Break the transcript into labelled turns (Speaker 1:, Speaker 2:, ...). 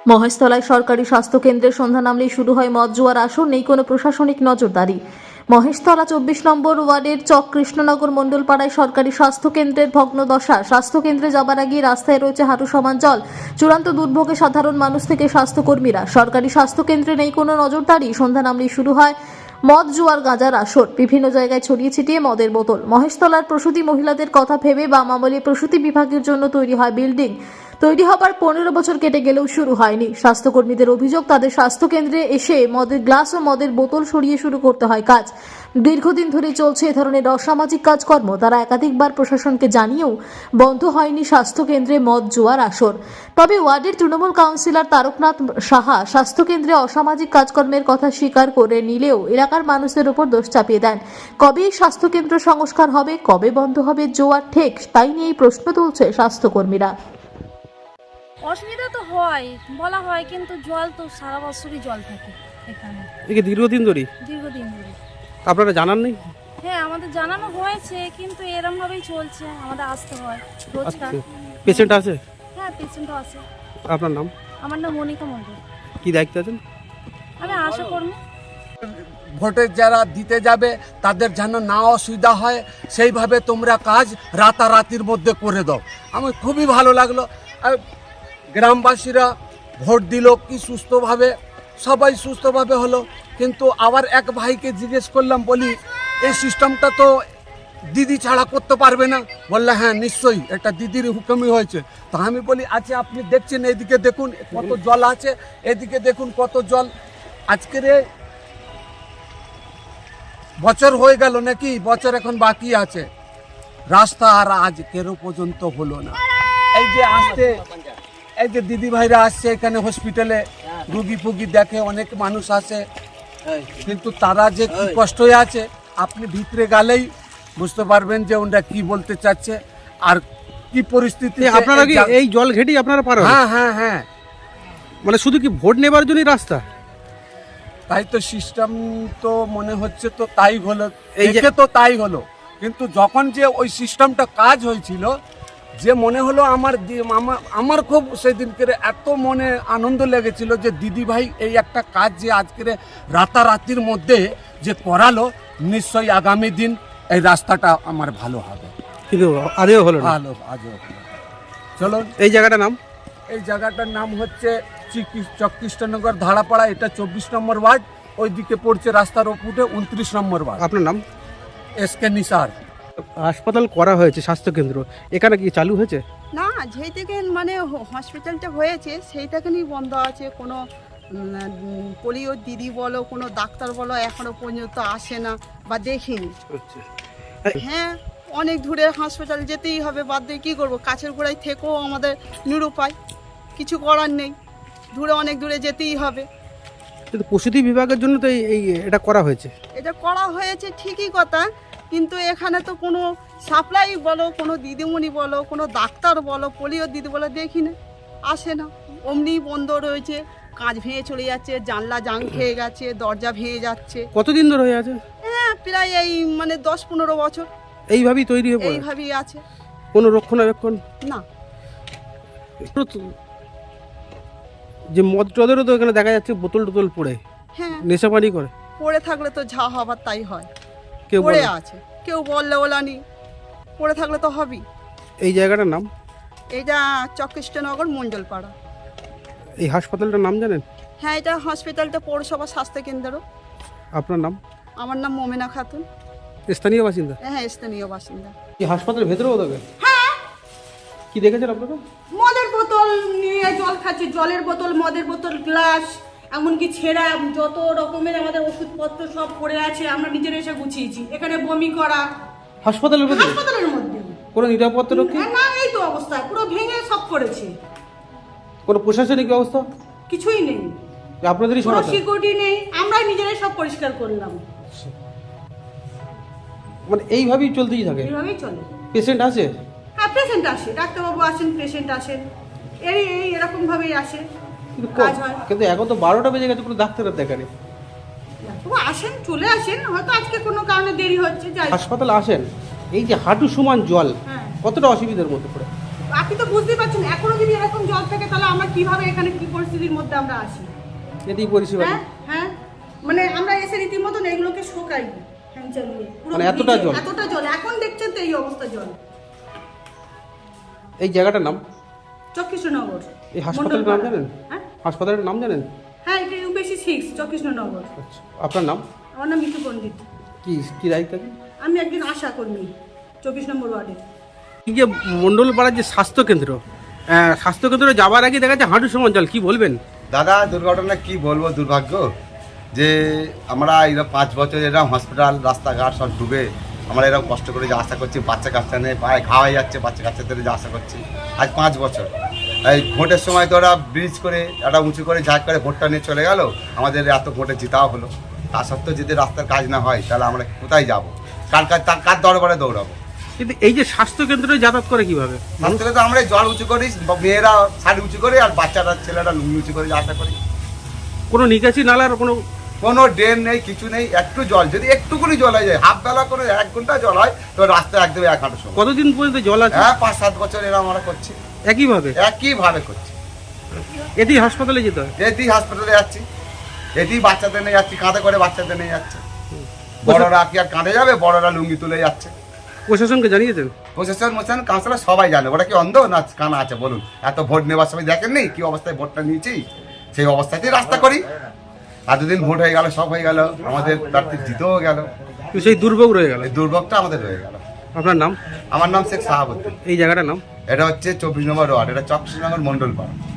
Speaker 1: মহেশতলায় সরকারি স্বাস্থ্য কেন্দ্রের সন্ধ্যা নামলেই শুরু হয় মদ জুয়ার আসর, নেই কোনো প্রশাসনিক নজরদারি। মহেশতলা 24 নম্বর ওয়ার্ডের চক কৃষ্ণনগর মণ্ডলপাড়ায় সরকারি স্বাস্থ্য কেন্দ্রের ভগ্নদশা। স্বাস্থ্য কেন্দ্রে যাবার আগে রাস্তায় রয়েছে হাঁটু সমান জল। চূড়ান্ত দুর্ভোগে সাধারণ মানুষ থেকে স্বাস্থ্যকর্মীরা। সরকারি স্বাস্থ্য কেন্দ্রে নেই কোনো নজরদারি। সন্ধ্যা নামলেই শুরু হয় মদ জুয়ার গাঁজার আসর। বিভিন্ন জায়গায় ছড়িয়ে ছিটিয়ে মদের বোতল। মহেশতলার প্রসূতি মহিলাদের কথা ভেবে বাম আমলে প্রসূতি বিভাগের জন্য তৈরি হয় বিল্ডিং। তৈরি হবার 15 বছর কেটে গেলেও শুরু হয়নি। স্বাস্থ্যকর্মীদের অভিযোগ, তাদের স্বাস্থ্যকেন্দ্রে এসে মদের গ্লাস ও মদের বোতল সরিয়ে শুরু করতে হয় কাজ। দীর্ঘদিন ধরে চলছে এ ধরনের অসামাজিক কাজকর্ম। তারা একাধিকবার প্রশাসনকে জানিয়েও বন্ধ হয়নি স্বাস্থ্যকেন্দ্রে মদ জুয়ার আসর। তবে ওয়ার্ডের তৃণমূল কাউন্সিলর তারকনাথ সাহা স্বাস্থ্যকেন্দ্রে অসামাজিক কাজকর্মের কথা স্বীকার করে নিলেও এলাকার মানুষদের উপর দোষ চাপিয়ে দেন। কবে এই স্বাস্থ্যকেন্দ্র সংস্কার হবে, কবে বন্ধ হবে জুয়ার ঠেক, তাই নিয়েই প্রশ্ন তুলছে স্বাস্থ্যকর্মীরা।
Speaker 2: অসুবিধা তো হয়, বলা হয়, কিন্তু জল তো সারা বছরই জল থাকে এখানে,
Speaker 3: একে দীর্ঘদিন ধরে
Speaker 2: দীর্ঘদিন ধরে।
Speaker 3: আপনারা জানান নেই?
Speaker 2: হ্যাঁ, আমাদের জানানো হয়েছে, কিন্তু এরম ভাবেই চলছে, আমাদের আসতে হয় রোজকার।
Speaker 3: পেশেন্ট আছে?
Speaker 2: হ্যাঁ, পেশেন্টও আছে।
Speaker 3: আপনার নাম?
Speaker 2: আমার নাম মনিকা মণ্ডল।
Speaker 3: কি দায়িত্ব আছেন?
Speaker 2: আমি আশা কর্মী।
Speaker 4: ভোটে যারা দিতে যাবে তাদের যেন না অসুবিধা হয় সেইভাবে তোমরা কাজ রাতারাতির মধ্যে করে দাও। আমার খুবই ভালো লাগলো। আর গ্রামবাসীরা ভোট দিল কি সুস্থভাবে, সবাই সুস্থভাবে হলো। কিন্তু আবার এক ভাইকে জিজ্ঞেস করলাম, বলি এই সিস্টেমটা তো দিদি ছাড়া করতে পারবে না? বললে হ্যাঁ নিশ্চয়ই, এটা দিদির হুকুমই হয়েছে। তো আমি বলি আচ্ছা আপনি দেখছেন, এদিকে দেখুন কত জল আছে, এদিকে দেখুন কত জল। আজকের বছর হয়ে গেল নাকি, বছর এখন বাকি আছে, রাস্তা আর আজকেরও পর্যন্ত হলো না। এই যে আসতে, এই যে দিদি ভাইরা আসছে এখানে হসপিটালে রুগী ফুগি দেখে, অনেক মানুষ আসে, কিন্তু তারা যে কি কষ্টে আছে আপনি ভিতরে গেলেই বুঝতে পারবেন যে ওরা কি বলতে চাচ্ছে আর কি পরিস্থিতি।
Speaker 3: আপনারা কি এই জল ঘেটেই আপনারা পার হন?
Speaker 4: হ্যাঁ হ্যাঁ হ্যাঁ,
Speaker 3: মানে শুধু কি ভোট নেবার জন্যই রাস্তা?
Speaker 4: তাই তো সিস্টেম তো মনে হচ্ছে তো তাই হলো,
Speaker 3: এই যে-
Speaker 4: দেখে তো তাই হলো। কিন্তু যখন যে ওই সিস্টেমটা কাজ হয়েছিল, যে মনে হলো আমার খুব সেদিনকে এত মনে আনন্দ লেগেছিল যে দিদি ভাই এই একটা কাজ যে আজকের রাতারাতির মধ্যে যে করালো, নিশ্চয়ই আগামী দিন এই রাস্তাটা আমার ভালো হবে।
Speaker 3: কিন্তু আদেও হলো না।
Speaker 4: ভালো আজও ভালো। চলুন,
Speaker 3: এই জায়গাটার নাম?
Speaker 4: এই জায়গাটার নাম হচ্ছে চক কৃষ্ণনগর ধারাপাড়া। এটা 24 নম্বর ওয়ার্ড, ওইদিকে পড়ছে রাস্তার ওপরে 29 নম্বর ওয়ার্ড।
Speaker 3: আপনার নাম?
Speaker 4: এসকে নিসার।
Speaker 3: হাসপাতাল করা হয়েছে স্বাস্থ্যকেন্দ্র, এখানে কি চালু হয়েছে?
Speaker 5: না, যেই থেকে মানে হসপিটালটা হয়েছে সেই থেকেই বন্ধ আছে। কোনো পোলিও দিদি বলো, কোনো ডাক্তার বলো এখনো পর্যন্ত আসে না বা দেখিনি।
Speaker 3: আচ্ছা।
Speaker 5: হ্যাঁ, অনেক দূরে হাসপাতাল যেতেই হবে, বাদ দিয়ে কী করবো? কাছের গোড়ায় থেকেও আমাদের নিরুপায়, কিছু করার নেই, দূরে অনেক দূরে যেতেই হবে।
Speaker 3: কিন্তু প্রসূতি বিভাগের জন্য তো এই এটা করা হয়েছে।
Speaker 5: এটা করা হয়েছে ঠিকই কথা, কিন্তু এখানে তো কোনো সাপ্লাই বলো, কোনো দিদিমণি বলো, কোনো ডাক্তার বলো, পোলিও দিদি বলো দেখি না, আসে না, অমনি বন্ধ রয়েছে। কাঁচ ভেঙে চলে যাচ্ছে, জানলা জাং খেয়ে গেছে, দরজা ভেঙে যাচ্ছে।
Speaker 3: কতদিন ধরে হয়ে আছে?
Speaker 5: হ্যাঁ, প্রায় এই মানে 10-15 বছর
Speaker 3: এইভাবেই তৈরি হয়ে পড়ে,
Speaker 5: এইভাবেই আছে।
Speaker 3: কোনো রক্ষণাবেক্ষণ
Speaker 5: না,
Speaker 3: যে মদ টদেরও তো এখানে দেখা যাচ্ছে বোতল টোতল পড়ে
Speaker 5: হ্যাঁ,
Speaker 3: নেশাপানি করে।
Speaker 5: পড়ে থাকলে তো যা হবার তাই হয়।
Speaker 3: কেউ
Speaker 5: পড়ে
Speaker 3: বলে?
Speaker 5: আছে, কেউ বললে ওলানি, পড়ে থাকলে তো হবেই।
Speaker 3: এই জায়গাটার নাম?
Speaker 5: এইটা চকৃষ্টনগর মণ্ডলপাড়া।
Speaker 3: এই হাসপাতালটার নাম জানেন?
Speaker 5: হ্যাঁ, এটা হসপিটালটা পৌরসভা স্বাস্থ্যকেন্দ্র।
Speaker 3: আপনার নাম?
Speaker 5: আমার নাম মোমেনা খাতুন।
Speaker 3: স্থানীয় বাসিন্দা?
Speaker 5: হ্যাঁ, স্থানীয় বাসিন্দা।
Speaker 3: এই হাসপাতালের ভেতরেও থাকে?
Speaker 5: হ্যাঁ,
Speaker 3: কি দেখেছেন আপনারা?
Speaker 6: মদের বোতল নিয়ে জল খাচ্ছে, জলের বোতল, মদের বোতল, গ্লাস, এমনকি ছেঁড়া যত রকমের আমাদের ওষুধপত্র সব পড়ে আছে, আমরা নিজেরা এসে গুছিয়েছি। এখানে বমি করা
Speaker 3: হাসপাতালের ভেতরে?
Speaker 6: হাসপাতালের মধ্যে।
Speaker 3: কোনো নিরাপত্তা রক্ষী?
Speaker 6: না, এই তো অবস্থা, পুরো ভেঙে সব করেছে,
Speaker 3: কোনো প্রশাসনিক ব্যবস্থা?
Speaker 6: কিছুই নেই,
Speaker 3: আপনাদেরই
Speaker 6: কোনো
Speaker 3: সমস্যা?
Speaker 6: সিকিউরিটি নেই, আমরাই নিজেরাই সব পরিষ্কার করলাম।
Speaker 3: মানে এইভাবেই চলতেই থাকে?
Speaker 6: এইভাবেই চলে।
Speaker 3: পেশেন্ট আছে?
Speaker 6: হ্যাঁ, পেশেন্ট আসে, ডাক্তারবাবু আসেন, পেশেন্ট আসেন, এরকম ভাবেই আসে,
Speaker 3: কিন্তু
Speaker 6: কাজ হয়।
Speaker 3: কিন্তু এখন তো 12টা বেজে গেছে, কোনো ডাক্তারের দেখা নেই।
Speaker 6: ডাক্তারবাবু আসেন, চলে আসেন, হয়তো আজকে কোনো কারণে দেরি হচ্ছে, যাই।
Speaker 3: হাসপাতালে আসেন, এই যে হাঁটু সমান জল,
Speaker 6: হ্যাঁ,
Speaker 3: কতটা অসুবিধার মধ্যে পড়ে?
Speaker 6: আপনি তো বুঝতেই পারছেন, এখনো যদি এরকম জল থাকে তাহলে আমরা কিভাবে এখানে কি পরিস্থিতির মধ্যে আমরা আসি?
Speaker 3: এতেই পরিষেবা
Speaker 6: হ্যাঁ হ্যাঁ, মানে আমরা এসে রীতিমতন এগুলোকে শোকাই ফ্যান চালিয়ে, পুরো
Speaker 3: মানে এতটা জল?
Speaker 6: এতটা জল, এখন দেখছেন তো এই অবস্থা জল।
Speaker 3: এই জায়গাটার নাম?
Speaker 6: চকৃষ্ণনগর।
Speaker 3: এই হাসপাতালের নাম জানেন?
Speaker 6: হ্যাঁ
Speaker 3: হাসপাতালের নাম জানেন?
Speaker 6: হ্যাঁ, এটা ইউপিসি 6 চকৃষ্ণনগর।
Speaker 3: আচ্ছা, আপনার নাম?
Speaker 6: আমার নাম মিঠু পণ্ডিত।
Speaker 3: কি কি দায়িত্ব আছে?
Speaker 6: আমি একজন আশা কর্মী 24 নম্বর ওয়ার্ডে।
Speaker 3: এই যে মণ্ডলপাড়ার যে স্বাস্থ্যকেন্দ্র, স্বাস্থ্যকেন্দ্রে যাওয়ার আগে দেখা যাচ্ছে হাঁটু সমান জল, কি বলবেন?
Speaker 7: দাদা দুর্ঘটনা কি বলবো, দুর্ভাগ্য যে আমরা এরকম 5 বছর এরকম হসপিটাল রাস্তাঘাট সব ডুবে আমরা এরকম কষ্ট করে যে আশা করছি, বাচ্চা কাচ্চা নিয়ে পায়ে খাওয়াই যাচ্ছে, বাচ্চা কাচ্চাদের যে আশা করছি আজ 5 বছর। এই ভোটের সময় তো ওরা ব্রিজ করে একটা উঁচু করে ঝাঁক করে ভোটটা নিয়ে চলে গেল, আমাদের এত ভোটে জিতাও হলো। তা সত্ত্বেও যদি রাস্তার কাজ না হয় তাহলে আমরা কোথায় যাব, কার দরবারে দৌড়াবো?
Speaker 3: কিন্তু এই যে স্বাস্থ্যকেন্দ্রে যাতায়াত করে কিভাবে?
Speaker 7: রাস্তাতে তো আমরা জল উঁচু করি, মেয়েরা শাড়ি উঁচু করে আর বাচ্চারা ছেলেরা লুঙ্গি উঁচু করে আশা করি।
Speaker 3: কোনো নিকাশি নালার
Speaker 7: কোনো ড্রেন নেই, কিছু নেই, একটু জল যদি একটুকুনি জল হয়ে যায়, হাফ বেলা করে 1 ঘন্টা জল হয় তো রাস্তায় একদম 1 হাঁটু সময়।
Speaker 3: কতদিন পর্যন্ত জল আছে?
Speaker 7: হ্যাঁ 5-7 বছর এরা আমরা করছি,
Speaker 3: একইভাবে
Speaker 7: করছি।
Speaker 3: এতেই হাসপাতালে যেতে হয়?
Speaker 7: এতেই হাসপাতালে যাচ্ছি, এতেই বাচ্চাদের নিয়ে যাচ্ছি, কাঁধে করে বাচ্চাদের নিয়ে যাচ্ছে। বড়রা কি আর কাঁধে যাবে? বড়রা লুঙ্গি তুলে যাচ্ছে।
Speaker 3: প্রশাসনকে জানিয়েছেন?
Speaker 7: প্রশাসন কাউন্সিলর সবাই জানে। ওরা কি অন্ধ না কানা আছে বলুন? এত ভোট নেওয়ার সময় দেখেননি কি অবস্থায় ভোটটা নিয়েছি? সেই অবস্থাতেই রাস্তা করি। এতদিন ভোট হয়ে গেল, সব হয়ে গেল, আমাদের প্রার্থী জিতেও গেল,
Speaker 3: সেই দুর্ভোগ রয়ে গেল।
Speaker 7: এই দুর্ভোগটা আমাদের রয়ে গেল।
Speaker 3: আপনার নাম?
Speaker 7: আমার নাম শেখ সাহাবুদ্দিন।
Speaker 3: এই জায়গাটার নাম?
Speaker 7: এটা হচ্ছে 24 নম্বর ওয়ার্ড, এটা চকৃষ্ণনগর মণ্ডলপাড়া।